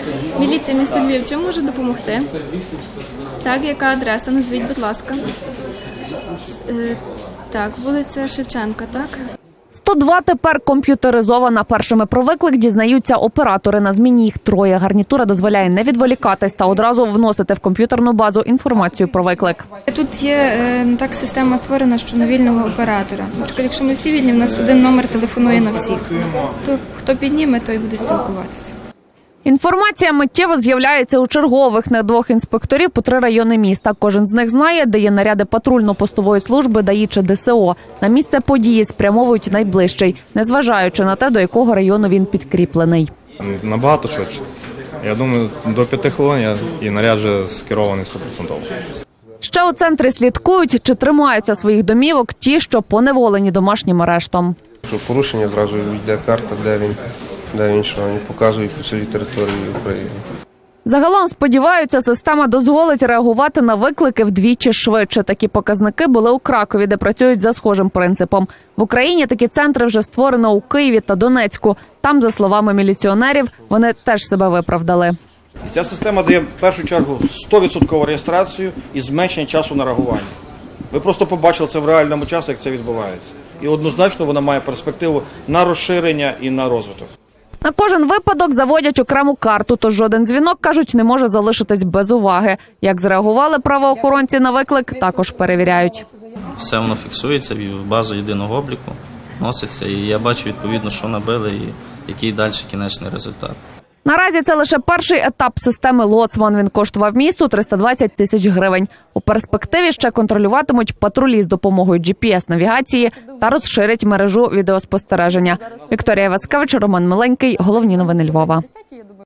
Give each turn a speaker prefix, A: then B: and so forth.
A: Міліція міста Львів, чим можу допомогти? Так, яка адреса? Назвіть, будь ласка. Так, вулиця Шевченка, так?
B: 102 тепер комп'ютеризована. Першими про виклик дізнаються оператори. На зміні їх троє. Гарнітура дозволяє не відволікатись та одразу вносити в комп'ютерну базу інформацію про виклик.
A: Тут є так система створена, що на вільного оператора. Наприклад, якщо ми всі вільні, у нас один номер телефонує на всіх. То хто підніме, той буде спілкуватися.
B: Інформація миттєво з'являється у чергових на 2 інспекторів по 3 райони міста. Кожен з них знає, де є наряди патрульно-постової служби, ДАІ чи ДСО. На місце події спрямовують найближчий, незважаючи на те, до якого району він підкріплений.
C: Набагато швидше. Я думаю, до 5 хвилин і наряд вже скерований 100%.
B: Ще у центрі слідкують, чи тримаються своїх домівок ті, що поневолені домашнім арештом.
D: Порушення, одразу йде карта, де він що, вони показують по цілій території України.
B: Загалом, сподіваються, система дозволить реагувати на виклики вдвічі швидше. Такі показники були у Кракові, де працюють за схожим принципом. В Україні такі центри вже створено у Києві та Донецьку. Там, за словами міліціонерів, вони теж себе виправдали.
E: Ця система дає в першу чергу 100% реєстрацію і зменшення часу на реагування. Ви просто побачили це в реальному часі, як це відбувається. І однозначно вона має перспективу на розширення і на розвиток.
B: На кожен випадок заводять окрему карту, тож жоден дзвінок, кажуть, не може залишитись без уваги. Як зреагували правоохоронці на виклик, також перевіряють.
F: Все воно фіксується в базу єдиного обліку, носиться, і я бачу відповідно, що набили і який далі кінечний результат.
B: Наразі це лише перший етап системи «Лоцман». Він коштував місту 320 тисяч гривень. У перспективі ще контролюватимуть патрулі з допомогою GPS-навігації та розширять мережу відеоспостереження. Вікторія Васкевич, Роман Миленький. Головні новини Львова.